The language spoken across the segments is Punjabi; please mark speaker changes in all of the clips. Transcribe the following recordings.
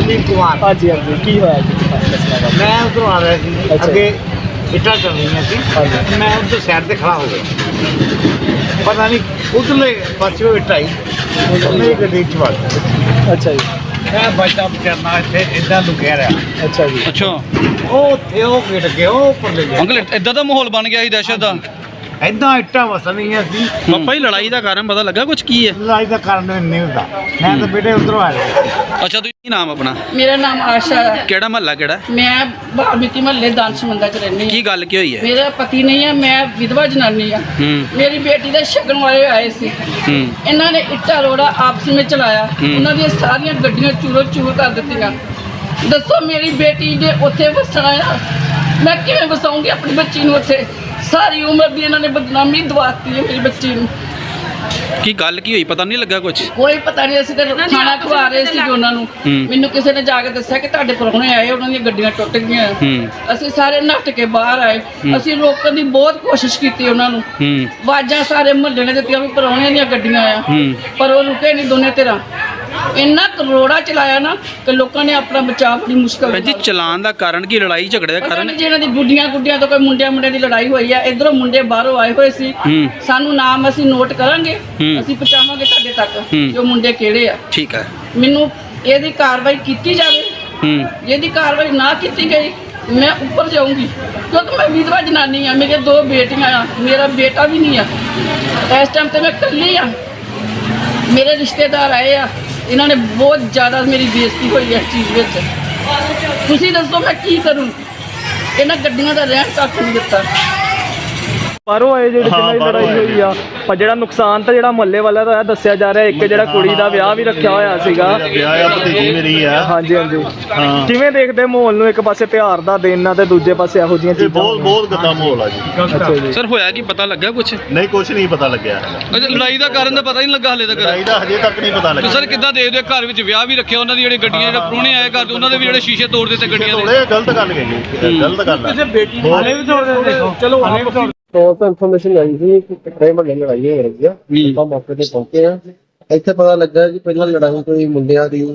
Speaker 1: अमरजीत कुमार।
Speaker 2: हाँ जी हाँ जी की होया जी?
Speaker 1: मैं उधरों आ रहा थी,
Speaker 2: अच्छा।
Speaker 1: अगे इट्टा चल रही थी,
Speaker 2: हाँ जी।
Speaker 1: मैं उधर साइड से खड़ा हो गया, पता नहीं उधरले पासों इट्ट आई मेरी गड्डी च वड़ गई।
Speaker 2: अच्छा जी।
Speaker 1: मैं बचता बचाना इत्थे इदां लुकिया रहा।
Speaker 2: अच्छा जी।
Speaker 3: अच्छा
Speaker 1: ਉਹ ਉੱਥੇ ਉਹ ਗਿਰ ਗਿਆ, ਉਹ ਉੱਪਰਲੇ ਗਿਆ।
Speaker 3: ਅੰਕਲ ਇਦਾਂ ਦਾ ਮਾਹੌਲ ਬਣ ਗਿਆ ਸੀ ਦਹਿਸ਼ਤ ਦਾ।
Speaker 1: ਏਦਾਂ ਇੱਟਾਂ ਵਸਣੀਆਂ ਸੀ।
Speaker 3: ਪਾਪਾ ਜੀ ਲੜਾਈ ਦਾ ਕਾਰਨ ਪਤਾ ਲੱਗਾ ਕੁਝ ਕੀ ਹੈ?
Speaker 1: ਲੜਾਈ ਦਾ ਕਾਰਨ ਨਹੀਂ ਹੁੰਦਾ, ਮੈਂ ਤਾਂ ਬੇਟੇ ਉਧਰੋਂ ਆ ਰਿਹਾ।
Speaker 3: ਅੱਛਾ ਤੁਸੀਂ ਕੀ ਨਾਮ ਆਪਣਾ?
Speaker 4: ਮੇਰਾ ਨਾਮ ਆਸ਼ਾ ਹੈ।
Speaker 3: ਕਿਹੜਾ ਮਹੱਲਾ ਕਿਹੜਾ?
Speaker 4: ਮੈਂ ਬਾਲਮੀਕੀ ਮਹੱਲੇ ਦਾਨਸ਼ਮੰਦਾ ਚ ਰਹਿੰਦੀ
Speaker 3: ਕੀ
Speaker 4: ਹਾਂ।
Speaker 3: ਗੱਲ ਕੀ ਹੋਈ ਹੈ?
Speaker 4: ਮੇਰਾ ਪਤੀ ਨਹੀਂ ਹੈ, ਮੈਂ ਵਿਧਵਾ ਜਨਾਨੀ ਆ। ਮੇਰੀ ਬੇਟੀ ਦੇ ਸ਼ਗਨ ਵਾਲੇ ਆਏ ਸੀ, ਇਹਨਾਂ ਨੇ ਇੱਟਾ ਰੋੜਾ ਆਪਸ ਵਿੱਚ ਚਲਾਇਆ, ਉਹਨਾਂ ਦੀਆਂ ਸਾਰੀਆਂ ਗੱਡੀਆਂ ਚੂਰੋ ਚੂਰ ਕਰ ਦਿੱਤੀਆਂ। ਦੱਸੋ ਮੇਰੀ ਬੇਟੀ ਜੇ ਉੱਥੇ ਵਸਣਾ ਆ, ਮੈਂ ਕਿਵੇਂ ਵਸਾਉਂਗੀ ਆਪਣੀ ਬੱਚੀ ਨੂੰ ਉੱਥੇ? ਸਾਰੀ ਉਮਰ ਦੀ ਇਹਨਾਂ ਨੇ ਬਦਨਾਮੀ ਦਵਾਤੀ ਹੈ ਮੇਰੀ ਬੱਚੀ ਨੂੰ।
Speaker 3: ਕੀ ਗੱਲ ਕੀ ਹੋਈ ਪਤਾ ਨਹੀਂ ਲੱਗਾ ਕੁਝ?
Speaker 4: ਕੋਈ ਪਤਾ ਨਹੀਂ, ਅਸੀਂ ਤਾਂ ਖਾਣਾ ਖਵਾ ਰਹੇ ਸੀ ਉਹਨਾਂ ਨੂੰ। ਮੈਨੂੰ ਕਿਸੇ ਨੇ ਜਾ ਕੇ ਦੱਸਿਆ ਕਿ ਤੁਹਾਡੇ ਪ੍ਰਾਹੁਣੇ ਆਏ, ਉਹਨਾਂ ਦੀਆਂ ਗੱਡੀਆਂ ਟੁੱਟ ਗਈਆਂ। ਅਸੀਂ ਸਾਰੇ ਨੱਠ ਕੇ ਬਾਹਰ ਆਏ, ਅਸੀਂ ਰੋਕਣ ਦੀ ਬਹੁਤ ਕੋਸ਼ਿਸ਼ ਕੀਤੀ ਉਹਨਾਂ ਨੂੰ, ਆਵਾਜ਼ਾਂ ਸਾਰੇ ਮੁਹੱਲੇ ਨੇ ਦਿੱਤੀਆਂ ਵੀ ਪ੍ਰਾਹੁਣਿਆਂ ਦੀਆਂ ਗੱਡੀਆਂ ਆ, ਪਰ ਉਹ ਰੁਕੇ ਨਹੀਂ ਦੋਨੇ ਧਿਰਾਂ। ਇੰਨਾ ਕਰੋੜਾ ਚਲਾਇਆ ਨਾ ਕਿ ਲੋਕਾਂ ਨੇ ਆਪਣਾ ਬਚਾਅ ਬੜੀ ਮੁਸ਼ਕਲ
Speaker 3: ਭੈਣ ਜੀ ਚਲਾਨ ਦਾ ਕਾਰਨ ਕੀ? ਲੜਾਈ ਝਗੜੇ ਦਾ ਕਾਰਨ?
Speaker 4: ਜਿਹਨਾਂ ਦੀ ਗੁੱਡੀਆਂ ਤੋਂ ਕੋਈ ਮੁੰਡਿਆਂ ਦੀ ਲੜਾਈ ਹੋਈ ਆ, ਇਧਰੋਂ ਮੁੰਡੇ ਬਾਹਰੋਂ ਆਏ ਹੋਏ ਸੀ। ਸਾਨੂੰ ਨਾਮ ਅਸੀਂ ਨੋਟ ਕਰਾਂਗੇ, ਅਸੀਂ ਪਹੁੰਚਾਵਾਂਗੇ ਤੁਹਾਡੇ ਤੱਕ ਕਿ ਉਹ ਮੁੰਡੇ ਕਿਹੜੇ ਆ।
Speaker 3: ਠੀਕ ਹੈ।
Speaker 4: ਮੈਨੂੰ ਇਹਦੀ ਕਾਰਵਾਈ ਕੀਤੀ ਜਾਵੇ, ਇਹਦੀ ਕਾਰਵਾਈ ਨਾ ਕੀਤੀ ਗਈ ਮੈਂ ਉੱਪਰ ਜਾਊਂਗੀ, ਕਿਉਂਕਿ ਮੈਂ ਵਿਧਵਾ ਜਨਾਨੀ ਆ, ਮੇਰੀਆਂ 2 ਬੇਟੀਆਂ ਆ, ਮੇਰਾ ਬੇਟਾ ਵੀ ਨਹੀਂ ਆ। ਇਸ ਟਾਈਮ ਤੇ ਮੈਂ ਇਕੱਲੀ ਆ। ਮੇਰੇ ਰਿਸ਼ਤੇਦਾਰ ਆਏ ਆ, ਇਹਨਾਂ ਨੇ ਬਹੁਤ ਜ਼ਿਆਦਾ ਮੇਰੀ ਬੇਇੱਜ਼ਤੀ ਹੋਈ ਹੈ ਇਸ ਚੀਜ਼ ਵਿੱਚ। ਤੁਸੀਂ ਦੱਸੋ ਮੈਂ ਕੀ ਕਰੂੰ? ਇਹਨਾਂ ਗੱਡੀਆਂ ਦਾ ਰਹਿਣ ਤੱਕ ਨਹੀਂ ਦਿੱਤਾ।
Speaker 2: ਬਾਹਰੋਂ ਆਏ ਜਿਹੜੇ ਜਿਨ੍ਹਾਂ ਦੀ ਲੜਾਈ ਹੋਈ ਆ, ਪਰ ਜਿਹੜਾ ਨੁਕਸਾਨ ਤਾਂ ਜਿਹੜਾ ਮਹੱਲੇ ਵਾਲਾ ਦਾ ਦੱਸਿਆ ਜਾ ਰਿਹਾ, ਇੱਕ ਜਿਹੜਾ ਕੁੜੀ ਦਾ ਵਿਆਹ ਵੀ ਰੱਖਿਆ ਹੋਇਆ ਸੀਗਾ।
Speaker 5: ਵਿਆਹ ਆ, ਭਤੀਜੀ ਮੇਰੀ ਆ।
Speaker 2: ਹਾਂਜੀ ਹਾਂਜੀ। ਕਿਵੇਂ ਦੇਖਦੇ ਮਾਹੌਲ ਨੂੰ? ਇੱਕ ਪਾਸੇ ਤਿਉਹਾਰ ਦਾ ਦਿਨ ਆ ਤੇ ਦੂਜੇ ਪਾਸੇ ਇਹੋ ਜਿਹੀਆਂ ਚੀਜ਼ਾਂ।
Speaker 5: ਬਹੁਤ ਗੰਦਾ ਮਾਹੌਲ ਆ ਜੀ।
Speaker 2: ਅੱਛਾ ਜੀ।
Speaker 3: ਸਰ ਹੋਇਆ ਕੀ ਪਤਾ ਲੱਗਾ ਕੁਝ?
Speaker 5: ਨਹੀਂ ਕੁਝ ਨਹੀਂ ਪਤਾ ਲੱਗਿਆ ਹੈਗਾ।
Speaker 3: ਅੱਛਾ ਲੜਾਈ ਦਾ ਕਾਰਨ ਤਾਂ ਪਤਾ ਹੀ ਨਹੀਂ ਲੱਗਾ ਹਲੇ ਤੱਕ।
Speaker 5: ਲੜਾਈ ਦਾ ਹਜੇ ਤੱਕ ਨਹੀਂ ਪਤਾ ਲੱਗਾ।
Speaker 3: ਸਰ ਕਿੱਦਾਂ ਦੇਖਦੇ ਹੋ? ਘਰ ਵਿੱਚ ਵਿਆਹ ਵੀ ਰੱਖਿਆ, ਉਹਨਾਂ ਦੀ ਜਿਹੜੀ ਗੱਡੀਆਂ ਜਿਹੜੇ ਪ੍ਰਾਹੁਣੇ ਆਏ ਘਰ ਉਹਨਾਂ ਦੇ ਵੀ ਜਿਹੜੇ ਸ਼ੀਸ਼ੇ ਤੋੜ ਦਿੱਤੇ ਗੱਡੀਆਂ ਦੇ।
Speaker 5: ਥੋੜੇ ਗਲਤ ਗੱਲ ਗਈ, ਗਲਤ ਗੱਲ ਆ।
Speaker 1: ਬੇਟੀ ਹਾਲੇ ਵੀ ਤੋੜ ਦਿੰਦੇ ਦੇਖੋ। ਚਲੋ ਹਾਲੇ ਵੀ ਤੋੜ।
Speaker 6: ਤੋਂ ਇਨਫੋਰਮੇਸ਼ਨ ਆਈ ਸੀ ਕਿ ਕਿਹੜੇ ਮਹੱਲੇ ਲੜਾਈ ਹੋ ਰਹੀ ਆ। ਆਪਾਂ ਮੌਕੇ ਤੇ ਪਹੁੰਚੇ ਆ। ਇੱਥੇ ਪਤਾ ਲੱਗਾ ਕਿ ਪਹਿਲਾਂ ਲੜਾਈ ਕੋਈ ਮੁੰਡਿਆਂ ਦੀ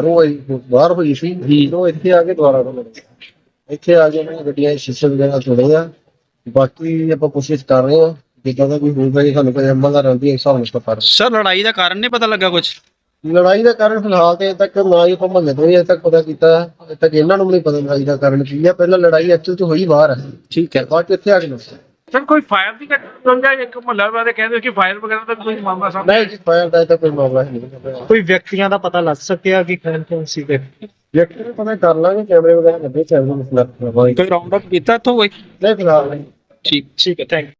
Speaker 6: ਬਾਹਰ ਹੋਈ ਸੀ, ਉਹ ਇੱਥੇ ਆ ਕੇ ਦੁਬਾਰਾ ਤੋਂ ਲੜੀ। ਇੱਥੇ ਆ ਕੇ ਉਹਨਾਂ ਦੀਆਂ ਗੱਡੀਆਂ ਦੇ ਸ਼ੀਸ਼ੇ ਵਗੈਰਾ ਤੋੜੇ ਆ। ਬਾਕੀ ਆਪਾਂ ਕੋਸ਼ਿਸ਼ ਕਰ ਰਹੇ ਆ, ਜਿੱਦਾਂ ਦਾ ਕੋਈ ਹੋਊਗਾ ਜੀ ਸਾਨੂੰ ਕੋਈ ਅਮਲ ਰਹਿੰਦੀ ਹੈ ਹਿਸਾਬ ਨਾਲ ਕਰ।
Speaker 3: ਸਰ ਲੜਾਈ ਦਾ ਕਾਰਨ ਨਹੀਂ ਪਤਾ ਲੱਗਾ ਕੁਝ?
Speaker 6: ਲੜਾਈ ਦਾ ਕਾਰਨ ਫਿਲਹਾਲ ਤੇ ਅਜੇ ਤੱਕ ਨਾ ਹੀ ਆਪਾਂ ਮਹੱਲੇ ਤੋਂ ਅਜੇ ਤੱਕ ਪਤਾ ਕੀਤਾ, ਅਜੇ ਤੱਕ ਇਹਨਾਂ ਨੂੰ ਵੀ ਨਹੀਂ ਪਤਾ ਲੜਾਈ ਦਾ ਕਾਰਨ ਕੀ ਆ। ਪਹਿਲਾਂ ਲੜਾਈ ਐਕਚੁਅਲ ਚ ਹੋਈ ਬਾਹਰ ਹੈ,
Speaker 3: ਠੀਕ ਹੈ।
Speaker 6: ਬਾਅਦ ਚ ਇੱਥੇ ਆ ਕੇ ਦੱਸਿਆ।
Speaker 7: ਸਰ ਕੋਈ ਫਾਇਰ ਦੀ ਘਟਨਾ? ਇੱਕ ਮਹੱਲਾ ਵਾਲੇ ਕਹਿੰਦੇ ਕਿ ਫਾਇਰ ਵਗੈਰਾ ਦਾ ਕੋਈ ਮਾਮਲਾ ਸਾਹਮਣੇ?
Speaker 6: ਨਹੀਂ ਜੀ, ਫਾਇਰ ਦਾ ਤਾਂ ਕੋਈ ਮਾਮਲਾ ਨਹੀਂ।
Speaker 2: ਕੋਈ ਵਿਅਕਤੀਆਂ ਦਾ ਪਤਾ ਲੱਗ ਸਕਿਆ ਕਿ ਕੌਣ ਸੀਗੇ?
Speaker 6: ਵਿਅਕਤੀ ਨੂੰ ਪਤਾ ਕਰ ਲਾਂਗੇ, ਕੈਮਰੇ ਵਗੈਰਾ ਲੱਗੇ, ਕੈਮਰੇ ਮਸਲਾ
Speaker 3: ਕੋਈ ਰਾਉਂਡ ਅਪ ਕੀਤਾ ਇੱਥੋਂ ਕੋਈ?
Speaker 6: ਨਹੀਂ ਫਿਲਹਾਲ ਨਹੀਂ।
Speaker 3: ਠੀਕ
Speaker 2: ਠੀਕ ਹੈ, ਥੈਂਕ